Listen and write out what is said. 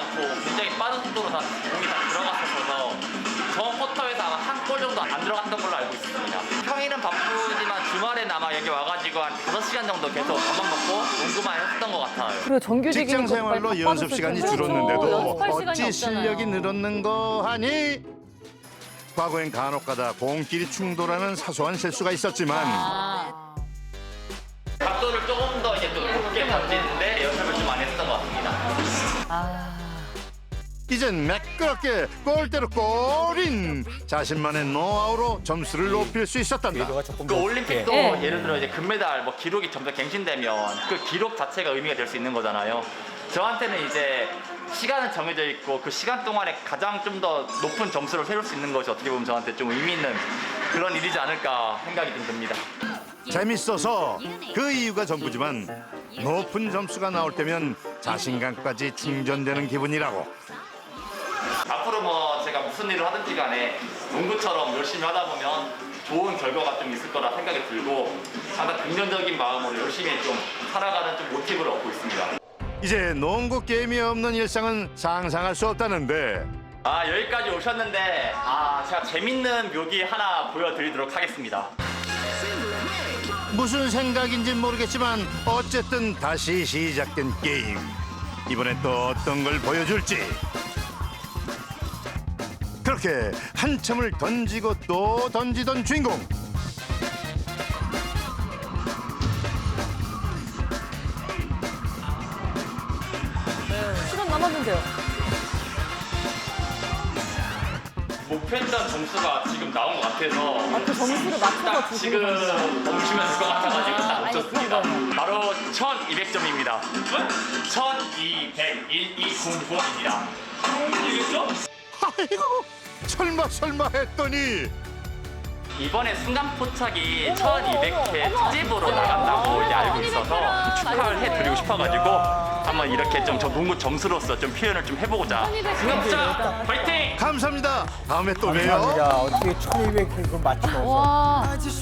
않고 굉장히 빠른 속도로 다 공이 다 들어갔었어서 저 쿼터에서 아마 한 골 정도 안 들어갔던 걸로 알고 있습니다. 평일은 바쁘지만 주말에 아마 여기 와가지고 한 5시간 정도 계속 밥만 먹고 농구만 했었던 것 같아요. 그리고 정규직이니까 직장 생활로 빨리 연습 바빠졌을 시간이 텐데. 줄었는데도 그렇죠. 연습할 시간이 어찌 없잖아요. 실력이 늘었는 거 하니? 과거엔 간혹가다 공끼리 충돌하는 사소한 실수가 있었지만 아, 각도를 조금 더 이제 좀 높게 던지는데 연습을 좀 많이 했던 것 같습니다. 아. 이젠 매끄럽게 골대로 골인 자신만의 노하우로 점수를 높일 수 있었단다. 그 올림픽도 네. 예를 들어 이제 금메달 뭐 기록이 점점 갱신되면 그 기록 자체가 의미가 될 수 있는 거잖아요. 저한테는 이제 시간은 정해져 있고 그 시간 동안에 가장 좀 더 높은 점수를 세울 수 있는 것이 어떻게 보면 저한테 좀 의미 있는 그런 일이지 않을까 생각이 좀 듭니다. 재밌어서 그 이유가 전부지만 높은 점수가 나올 때면 자신감까지 충전되는 기분이라고. 앞으로 뭐 제가 무슨 일을 하든지 간에 농구처럼 열심히 하다 보면 좋은 결과가 좀 있을 거라 생각이 들고 항상 긍정적인 마음으로 열심히 좀 살아가는 좀 모티브를 얻고 있습니다. 이제 농구 게임이 없는 일상은 상상할 수 없다는데 아 여기까지 오셨는데 제가 재밌는 묘기 하나 보여드리도록 하겠습니다. 무슨 생각인지 모르겠지만 어쨌든 다시 시작된 게임. 이번엔 또 어떤 걸 보여줄지. 그렇게 한참을 던지고 또 던지던 주인공. 시간 남았는데요. 목표했던 점수가 지금 나온 것 같아서 그 점수를 맞춰서 딱 주시는 지금 거죠. 멈추면 될 것 같아가지고 딱 아니, 멈췄습니다. 그런 거예요. 바로 1200점입니다. 1200-1200입니다. 200점? 아이고 설마 했더니 이번에 순간 포착이 어머, 어머, 1200회 어머, 특집으로 어머. 나간다고 이제 알고 1200 있어서 회라. 축하를 해드리고 알겠어요. 싶어가지고 한번 이렇게 좀 저 농구 점수로서 좀 표현을 좀 해보고자 1200 승엽자 파이팅! 감사합니다. 다음에 또 봬요. 감사합니다. 어떻게 1200 그거 맞추면서. 와.